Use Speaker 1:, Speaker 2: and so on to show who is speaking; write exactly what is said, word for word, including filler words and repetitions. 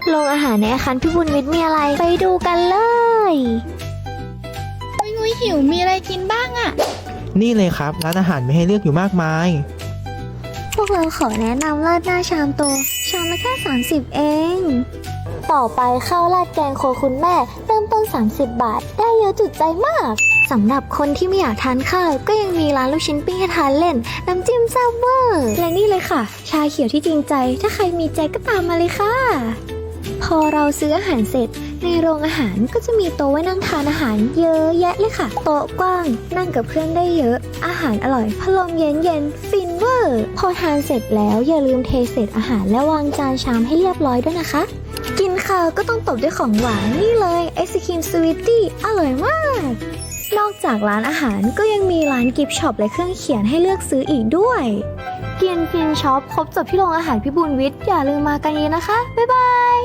Speaker 1: โรงอาหารในอาคารพิบูลวิทย์มีอะไรไปดูกันเลย
Speaker 2: งุยงุยหิวมีอะไรกินบ้างอะ
Speaker 3: นี่เลยครับร้านอาหารมีให้เลือกอยู่มากมาย
Speaker 1: พวกเราขอแนะนำราดหน้าชามโตชามละแค่สามสิบเองต่อไปข้าวราดแกงโครัวคุณแม่เริ่มต้นสามสิบบาทได้เยอะจุดใจมากสำหรับคนที่ไม่อยากทานข้าวก็ยังมีร้านลูกชิ้นปิ้งให้ทานเล่นน้ำจิ้มแซ่บเวอร์และนี่เลยค่ะชาเขียวที่จริงใจถ้าใครมีใจก็ตามมาเลยค่ะพอเราซื้ออาหารเสร็จในโรงอาหารก็จะมีโต๊ะไว้นั่งทานอาหารเยอะแยะเลยค่ะโต๊ะกว้างนั่งกับเพื่อนได้เยอะอาหารอร่อยพัดลมเย็นเย็นฟินเวอร์พอทานเสร็จแล้วอย่าลืมเทเศษอาหารและวางจานชามให้เรียบร้อยด้วยนะคะกินข้าวก็ต้องตบด้วยของหวานนี่เลยไอศครีมสวีตตี้อร่อยมากนอกจากร้านอาหารก็ยังมีร้านกิฟต์ช็อปและเครื่องเขียนให้เลือกซื้ออีกด้วยเกียนฟินช็อปครบจบที่โรงอาหารพิบูลวิทย์อย่าลืมมากันเยอะนะคะบ๊ายบาย